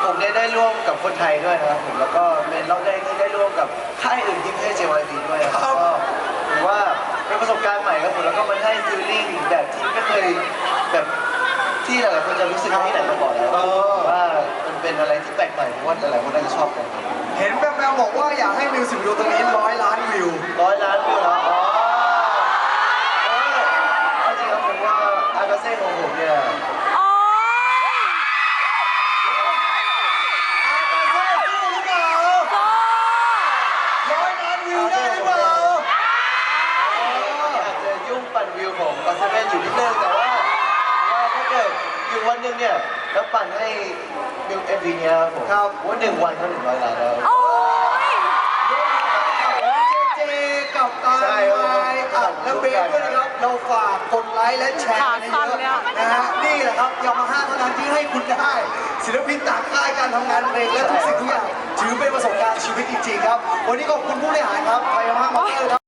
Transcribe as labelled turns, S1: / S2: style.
S1: ผมเนี่ยได้ร่วมกับคนไทยด้วยนะครับผมแล้วก็เป็นรอบแรกที่ได้ร่วมกับค่ายอื่นที่ไม่ใช่ JYP ด้วยครับก็ถือว่าเป็นประสบการณ์ใหม่ครับผมแล้วก็มันให้ฟีลลิ่งแบบที่ไม่เคยแบบที่หลายๆคนจะรู้สึกที่ไหนมาก่อนแล้วว่ามันเป็นอะไรที่แปลกใหม่ผมว่าหลายๆคนน่าจะชอบกัน
S2: เห็นแววๆบอกว่าอยากให้มิวสิกวิดีโอตรงนี้100 ล้านวิว
S1: 100 ล้านวิวแล้วอ๋อจริงครับผมว่าอากาเซ่ของผมเนี่ยปั่นวิวของก็อตเซเว่นอยู่นิดนึงแต่ว่าถ้าเกิดอยู่วันหนึ่งเนี่ยแล้วปั่นให้วิวMVเนี้ยผมว่า1 วันก็100 ล้านแล้ว
S2: เจกับตาไม้อัดและเบสด้วยนะครับเราฝากกดไลค์และแชร์กันเยอะนะฮะนี่แหละครับยามาฮ่าเท่านั้นที่ให้คุณได้ศิลปินต่างค่ายการทำงานเพลงและทุกสิ่งทุกอย่างถือเป็นประสบการณ์ชีวิตจริงๆครับวันนี้ขอบคุณผู้บริหารครับไทยยามาฮ่ามอเตอร์ครับ